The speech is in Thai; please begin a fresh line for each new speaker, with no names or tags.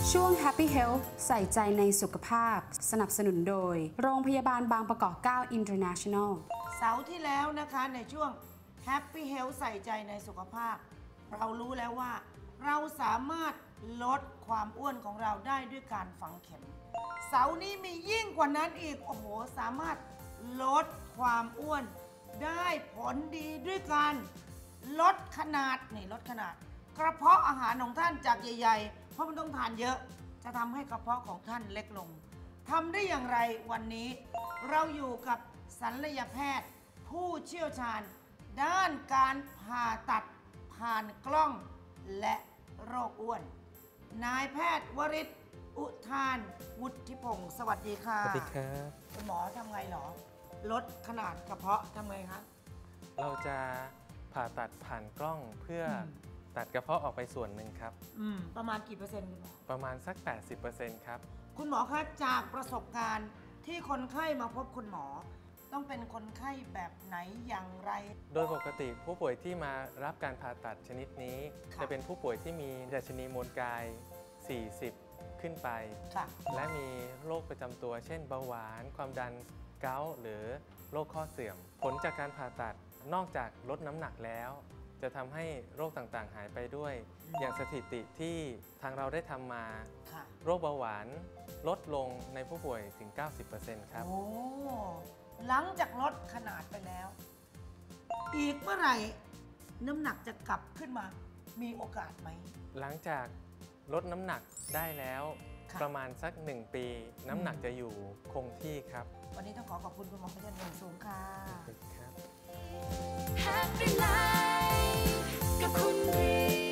ช่วง Happy Health ใส่ใจในสุขภาพสนับสนุนโดยโรงพยาบาลบางประกอบ9 International
เสาร์ที่แล้วนะคะในช่วง Happy Health ใส่ใจในสุขภาพเรารู้แล้วว่าเราสามารถลดความอ้วนของเราได้ด้วยการฝังเข็มเสาร์นี้มียิ่งกว่านั้นอีกโอ้โหสามารถลดความอ้วนได้ผลดีด้วยการลดขนาดกระเพาะอาหารของท่านจากใหญ่ๆเพราะมันต้องทานเยอะจะทำให้กระเพาะของท่านเล็กลงทำได้อย่างไรวันนี้เราอยู่กับศัลยแพทย์ผู้เชี่ยวชาญด้านการผ่าตัดผ่านกล้องและโรคอ้วนนายแพทย์วริศอุทานวุฒิพงศ์สวัสดีค่ะ
สวัสดีครับ
คุณหมอทำไงหรอลดขนาดกระเพาะทำไงคะ
เราจะผ่าตัดผ่านกล้องเพื่อตัดกระเพาะออกไปส่วนหนึ่งครับ
ประมาณกี่เปอร์เซ็นต์คุณหมอ
ประมาณสัก 80% ครับ
คุณหมอคะจากประสบการณ์ที่คนไข้มาพบคุณหมอต้องเป็นคนไข้แบบไหนอย่างไร
โดยปกติผู้ป่วยที่มารับการผ่าตัดชนิดนี้จะเป็นผู้ป่วยที่มีดัชนีมวลกาย 40 ขึ้นไปและมีโรคประจำตัวเช่นเบาหวานความดันเกาต์หรือโรคข้อเสื่อมผลจากการผ่าตัดนอกจากลดน้ำหนักแล้วจะทำให้โรคต่างๆหายไปด้วยอย่างสถิติที่ทางเราได้ทำมาโรคเบาหวานลดลงในผู้ป่วยถึง 90% ครับ
โอ้หลังจากลดขนาดไปแล้วอีกเมื่อไหร่น้ำหนักจะกลับขึ้นมามีโอกาสไหม
หลังจากลดน้ำหนักได้แล้วประมาณสัก1 ปีน้ำหนักจะอยู่คงที่ครับ
วันนี้ต้องขอบคุณคุณหมอเป็นอย่างสูงค่ะ
ครับ
Happy Life กับคุณ